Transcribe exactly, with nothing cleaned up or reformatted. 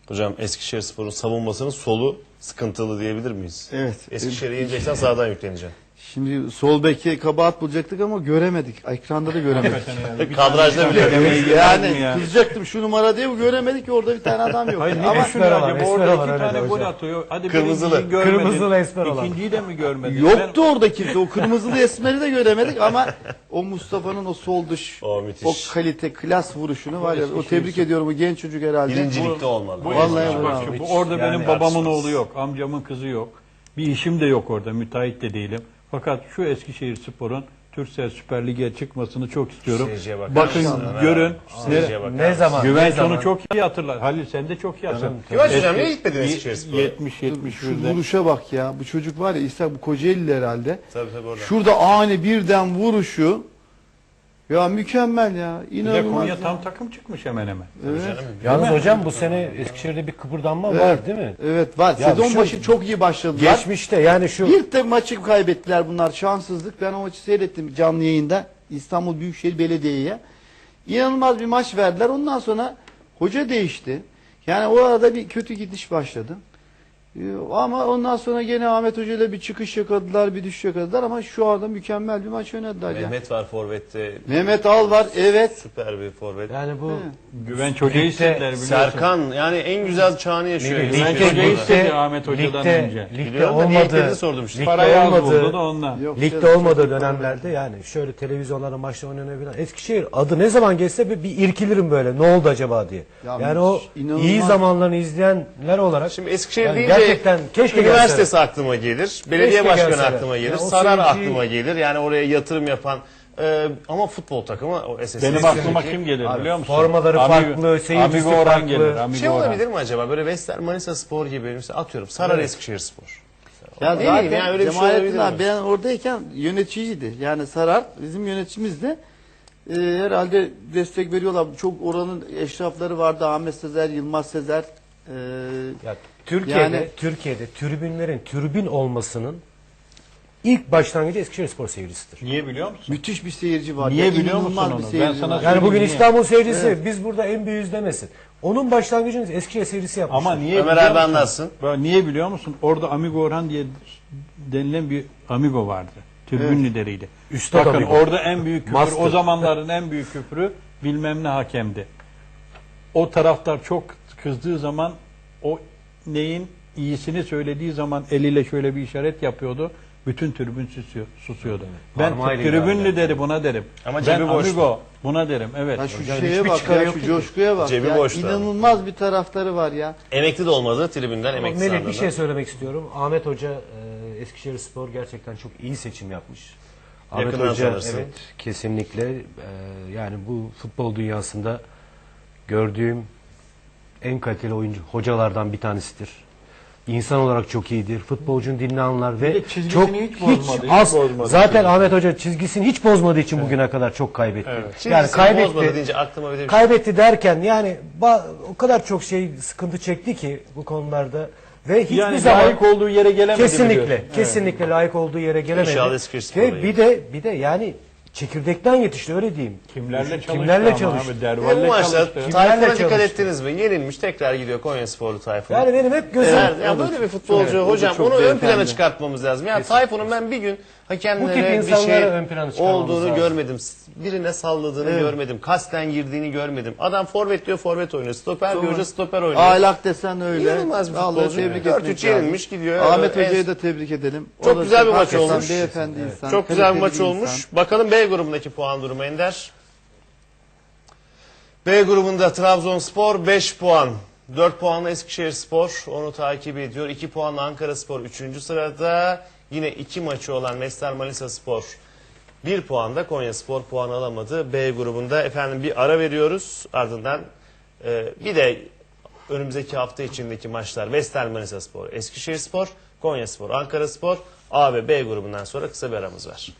Hocam Eskişehirspor'un savunmasının solu sıkıntılı diyebilir miyiz? Evet. Eskişehir'e yeneceksen sağdan yükleneceksin. Şimdi sol beke kabahat bulacaktık ama göremedik. Ekranda da göremedik. Yani. Kadrajda bile. yani ya. kızacaktım şu numara diye göremedik ki orada bir tane adam yok. Hayır ne ama esmer var, esmer orada var iki herhalde tane gol hocam. atıyor. Hadi Kırmızılı. birinciyi görmedin. Kırmızılı esmer olan. İkinciyi de mi görmedin? yoktu orada kimse. O kırmızılı esmeri de göremedik ama o Mustafa'nın o sol dış O o müthiş. kalite klas vuruşunu var ya. O Eskişehir tebrik ediyorum bu genç çocuk herhalde. Birincilikte olmalı. Bu Vallahi eski bravo. bak, bu orada Yani benim babamın tartışmaz. oğlu yok, amcamın kızı yok. Bir işim de yok orada, müteahhit de değilim. Fakat şu Eskişehirspor'un Türksel Süper Lig'e çıkmasını çok istiyorum. Seyirciye bakar Bakın mısın? görün. Seyirciye bakar Ne mısın? zaman? ne Güvenç zaman? onu çok iyi hatırlar. Halil sen de çok iyi hatırlarsın. Güvenç hocam Eski- niye gitmedin Eskişehirspor'a? yetmiş yetmiş Şu birde. vuruşa bak ya. Bu çocuk var ya İshak bu Kocaeli'li herhalde. Tabii tabii orada. Şurada ani birden vuruşu ya mükemmel ya. Bir de İnanılmaz. Konya ya. tam takım çıkmış hemen hemen. Evet. Canım, Yalnız hocam bu sene Eskişehir'de bir kıpırdanma Evet. var değil mi? Evet var. Ya Sezon şu- başı çok iyi başladılar. Geçmişte yani şu Bir tek maçı kaybettiler bunlar. Şanssızlık. Ben o maçı seyrettim canlı yayında. İstanbul Büyükşehir Belediye'ye. İnanılmaz bir maç verdiler. Ondan sonra hoca değişti. Yani o arada bir kötü gidiş başladı. Ee, Ama ondan sonra gene Ahmet Hoca ile bir çıkış yakaladılar, bir düşüş yakaladılar ama şu anda mükemmel bir maç oynadılar ya. Mehmet var forvette. Mehmet Al var, evet. Süper bir forvet. yani bu Güvenç Hoca'yı Ligde istediler biliyorsun. Serkan yani en güzel çağını yaşıyor. Ligde- Güvenç Güvenç Hoca'yı Hoca'da. istedi Ahmet Hoca'dan ligde, önce. ligde Biliyorum da niyetlerini olmadığı, sordum işte. ligde Parayı az buldu olmadığı, da ondan. Yok, ligde canım, olmadığı çok- dönemlerde yani şöyle televizyonlarda maçta oynanan Eskişehir adı ne zaman geçse bir, bir irkilirim böyle ne oldu acaba diye. Ya yani o müthiş, inanılmaz. iyi zamanlarını izleyenler olarak Şimdi Eskişehir yani deyince gerçekten keşke üniversitesi gelse. aklıma gelir. Belediye Keşke başkanı gelseler. aklıma gelir. Ya o Sarar seyirciyi- aklıma gelir. Yani oraya yatırım yapan e, ama futbol takımı o S S Benim Eskişehir'deki- aklıma kim gelir biliyor musun? formaları Amigo- farklı, seyircisi Amigo Orhan farklı. gelir. Amigo Şey Orhan. olabilir mi acaba? Böyle Vestel Manisa Spor gibi mesela atıyorum Sarar Evet. Eskişehirspor. Ya Ne bileyim yani öyle bir şey Cemalettin olabilir abi mi? ben oradayken yöneticiydi. Yani Sarar bizim yöneticimiz de e, herhalde destek veriyorlar. Çok oranın eşrafları vardı. Ahmet Sezer, Yılmaz Sezer. E, Ya Türkiye'de Yani- Türkiye'de tribünlerin tribün olmasının ilk başlangıcı Eskişehirspor seyircisidir. Niye biliyor musun? müthiş bir seyirci var. Niye Ya, biliyor musun inanılmaz onu? bir Ben seyirci sana var. Yani bugün Niye? İstanbul seyircisi biz burada en büyüğüz demesin. Onun başlangıcını Eskişehir seyircisi yapmıştır. Ama niye Ömer biliyor abi musun? anlatsın. Böyle niye biliyor musun? Orada Amigo Orhan diye denilen bir amigo vardı. Tribün Evet. lideriydi. Üstad Bakın amigo. orada en büyük küfür, Master. o zamanların en büyük küfürü bilmem ne hakemdi. O taraftar çok kızdığı zaman o neyin iyisini söylediği zaman eliyle şöyle bir işaret yapıyordu. Bütün tribün susuyor, susuyordu. Ben Parmağıyla tribün ilerler. lideri buna derim. Ama ben cebi boştu. amigo buna derim. Evet. Ya şu Hocam şeye hiçbir bak çıkarı ya, yoktu şu ki. coşkuya bak. Cebi ya. boştu. İnanılmaz bir taraftarı var ya. Emekli de olmadı tribünden Ama emekli Melih bir sandığında. şey söylemek istiyorum. Ahmet Hoca e, Eskişehirspor gerçekten çok iyi seçim yapmış. Ahmet Yakından Hoca tanırsın. evet kesinlikle e, yani bu futbol dünyasında gördüğüm en kaliteli oyuncu hocalardan bir tanesidir. İnsan olarak çok iyidir. Futbolcunun dilini anlar ve de çizgisini çok hiç bozmadı, hiç az bozmadı. zaten Ahmet Hoca çizgisini hiç bozmadığı için bugüne kadar çok kaybetti. Evet. Çizgisini Yani kaybetti. bozmadı deyince aklıma bir de bir şey. Kaybetti derken yani ba- o kadar çok şey sıkıntı çekti ki bu konularda ve hiçbir Yani zaman layık olduğu yere gelemedi kesinlikle biliyorsun. kesinlikle layık olduğu yere gelemedi. İnşallah Eskişehirspor'a Ve bir de bir de yani çekirdekten yetişti öyle diyeyim. Kimlerle çalıştı Kimlerle ama çalıştı. abi, Ve Derval'le bu maçta çalıştı. Tayfun'a Kimlerle dikkat çalıştı? ettiniz mi? Yenilmiş tekrar gidiyor Konyasporlu Tayfun. Yani benim hep gözüm Evet, ya O da böyle çok- bir futbolcu evet, o da hocam çok onu ön beyefendi. plana çıkartmamız lazım. Ya Tayfun'un ben bir gün Bu hakemlere tip bir insanları şey ön plana çıkarmamız olduğunu lazım. görmedim. Birine salladığını Evet. görmedim. Kasten girdiğini görmedim. Adam forvet diyor forvet oynuyor. Stoper Doğru. diyor hoca stoper oynuyor. Ahlak desen öyle. İnanılmaz bir Vallahi futbolcu. tebrik dört etmek üç lazım. yenilmiş gidiyor. Ahmet En- Hoca'yı da tebrik edelim. O Çok da güzel bir maç hakikaten olmuş. Beyefendi Evet. insan. Çok güzel bir kaliteli maç insan. olmuş. Bakalım B grubundaki puan durumu Ender. B grubunda Trabzonspor beş puan. dört puanla Eskişehirspor onu takip ediyor. iki puanla Ankaraspor üçüncü sırada. Yine iki maçı olan Vestel Manisaspor bir puanda, Konyaspor puan alamadı. B grubunda efendim bir ara veriyoruz. Ardından e, bir de önümüzdeki hafta içindeki maçlar Vestel Manisaspor, Eskişehirspor, Konyaspor, Ankaraspor. A ve B grubundan sonra kısa bir aramız var.